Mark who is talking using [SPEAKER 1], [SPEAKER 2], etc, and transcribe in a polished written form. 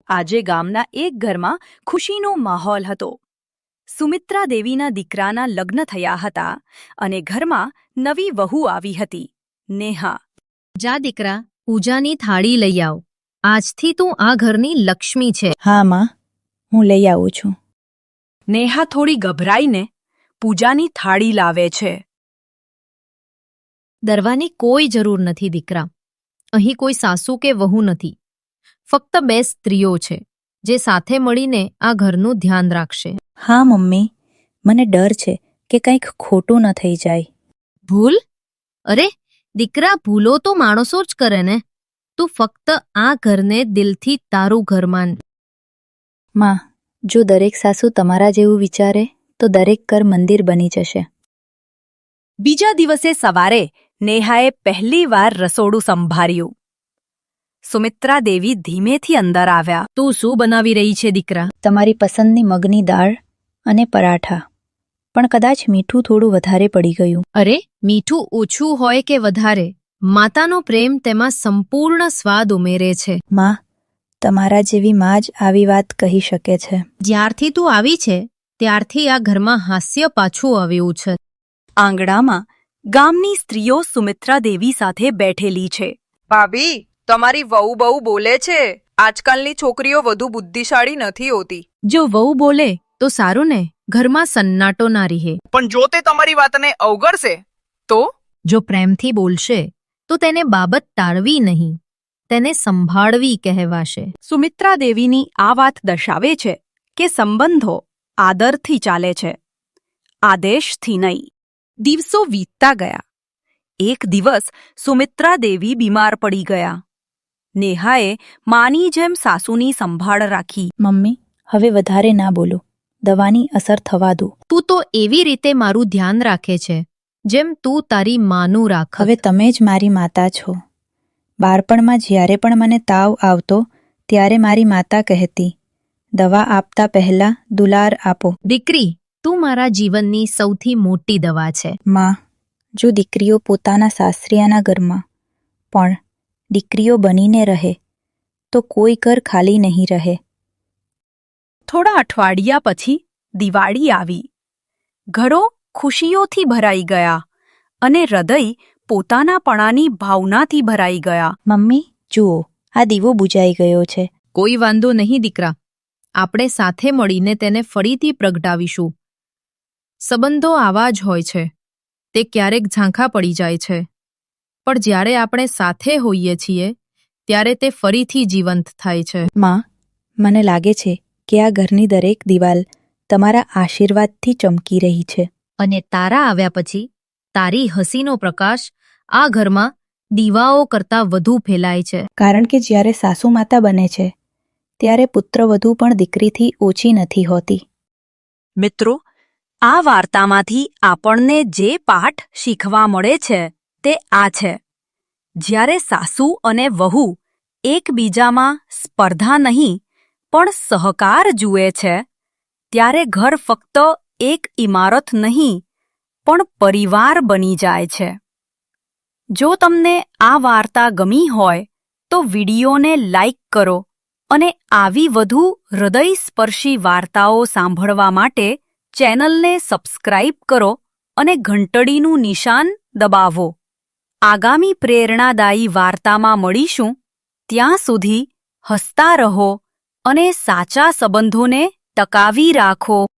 [SPEAKER 1] આજે ગામના એક ઘરમાં ખુશીનો માહોલ હતો. સુમિત્રા દેવીના દીકરાના લગ્ન થયા હતા અને ઘરમાં નવી વહુ આવી હતી, નેહા.
[SPEAKER 2] જા દીકરા, પૂજાની થાળી લઈ આવ. આજથી તું આ ઘરની લક્ષ્મી છે.
[SPEAKER 3] હા માં, હું લઈ આવું છું.
[SPEAKER 1] નેહા થોડી ગભરાઈને પૂજાની થાળી લાવે છે.
[SPEAKER 2] ડરવાની કોઈ જરૂર નથી દીકરા. અહીં કોઈ સાસુ કે વહુ નથી. ફક્ત બે સ્ત્રીઓ છે જે સાથે મળીને આ ઘરનું ધ્યાન રાખશે.
[SPEAKER 3] હા મમ્મી, મને ડર છે કે કંઈક ખોટું ન થઈ જાય.
[SPEAKER 2] ભૂલ? અરે દીકરા, ભૂલો તો માણસો જ કરે ને. તું ફક્ત આ ઘરને દિલથી તારું ઘર માન.
[SPEAKER 3] માં, જો દરેક સાસુ તમારા જેવું વિચારે તો દરેક ઘર મંદિર બની જશે.
[SPEAKER 1] બીજા દિવસે સવારે નેહાએ પહેલીવાર રસોડું સંભાળ્યું. સુમિત્રા દેવી ધીમેથી અંદર આવ્યા.
[SPEAKER 2] તું શું બનાવી રહી છે દીકરા?
[SPEAKER 3] તમારી પસંદની મગની દાળ અને પરાઠા, પણ કદાચ મીઠું થોડું વધારે પડી ગયું.
[SPEAKER 2] અરે મીઠું ઓછું હોય કે વધારે, માતાનો પ્રેમ તેમાં સંપૂર્ણ સ્વાદ ઉમેરે છે.
[SPEAKER 3] માં, તમારા જેવી માં જ આવી વાત કહી શકે છે.
[SPEAKER 2] જ્યારથી તું આવી છે ત્યારથી આ ઘરમાં હાસ્ય પાછું આવ્યું છે.
[SPEAKER 1] આંગણામાં ગામની સ્ત્રીઓ સુમિત્રા દેવી સાથે બેઠેલી છે.
[SPEAKER 4] ભાભી, તમારી વહુ બહુ બોલે છે. આજકાલની છોકરીઓ વધુ બુદ્ધિશાળી નથી હોતી.
[SPEAKER 2] જો વહુ બોલે તો સારું ને, ઘરમાં સન્નાટો ના રહે.
[SPEAKER 4] પણ જો તે તમારી વાતને અવગણશે તો?
[SPEAKER 2] જો પ્રેમથી બોલશે તો તેને બાબત ટાળવી નહીં, તેને સંભાળવી કહેવાશે.
[SPEAKER 1] સુમિત્રા દેવીની આ વાત દર્શાવે છે કે સંબંધો આદરથી ચાલે છે, આદેશથી નહીં. દિવસો વીતતા ગયા. એક દિવસ સુમિત્રા દેવી બીમાર પડી ગયા. નેહાએ માની જેમ સાસુની સંભાળ રાખી.
[SPEAKER 3] મમ્મી, હવે વધારે ના બોલો. દવાની અસર થવા દો.
[SPEAKER 2] તું તો એવી રીતે મારું ધ્યાન રાખે છે જેમ તું તારી માનું રાખ.
[SPEAKER 3] હવે તમે જ મારી માતા છો. બાળપણમાં જ્યારે પણ મને તાવ આવતો ત્યારે મારી માતા કહેતી, દવા આપતા પહેલા દુલાર આપો.
[SPEAKER 2] દીકરી, તું મારા જીવનની સૌથી મોટી દવા છે.
[SPEAKER 3] માં, જો દીકરીઓ પોતાના સાસરિયાના ઘરમાં પણ દીકરીઓ બનીને રહે તો કોઈ ઘર ખાલી નહીં રહે.
[SPEAKER 1] થોડા અઠવાડિયા પછી દિવાળી આવી. ઘરો ખુશીઓથી ભરાઈ ગયા અને હૃદય પોતાનાપણાની ભાવનાથી ભરાઈ ગયા.
[SPEAKER 3] મમ્મી, જુઓ, આ દીવો બુજાઈ ગયો છે.
[SPEAKER 2] કોઈ વાંધો નહીં દીકરા, આપણે સાથે મળીને તેને ફરીથી પ્રગટાવીશું. સંબંધો આવા જ હોય છે, તે ક્યારેક ઝાંખા પડી જાય છે, પણ જ્યારે આપણે સાથે હોઈએ છીએ ત્યારે તે ફરીથી જીવંત થાય છે.
[SPEAKER 3] માં, મને લાગે છે કે આ ઘરની દરેક દિવાલ તમારા આશીર્વાદથી ચમકી રહી છે.
[SPEAKER 2] અને તારા આવ્યા પછી તારી હસીનો પ્રકાશ આ ઘરમાં દીવાઓ કરતાં વધુ ફેલાય છે.
[SPEAKER 3] કારણ કે જ્યારે સાસુ માતા બને છે ત્યારે પુત્રવધુ પણ દીકરીથી ઓછી નથી હોતી.
[SPEAKER 1] મિત્રો, આ વાર્તામાંથી આપણને જે પાઠ શીખવા મળે છે તે આ છે: જ્યારે સાસુ અને વહુ એકબીજામાં સ્પર્ધા નહીં પણ સહકાર જુએ છે, ત્યારે ઘર ફક્ત એક ઇમારત નહીં પણ પરિવાર બની જાય છે. જો તમને આ વાર્તા ગમી હોય તો વિડીયોને લાઇક કરો અને આવી વધુ હૃદયસ્પર્શી વાર્તાઓ સાંભળવા માટે ચેનલને સબસ્ક્રાઇબ કરો અને ઘંટડીનું નિશાન દબાવો. આગામી પ્રેરણાદાયી વાર્તામાં મળીશું. ત્યાં સુધી હસતા રહો અને સાચા સંબંધોને ટકાવી રાખો.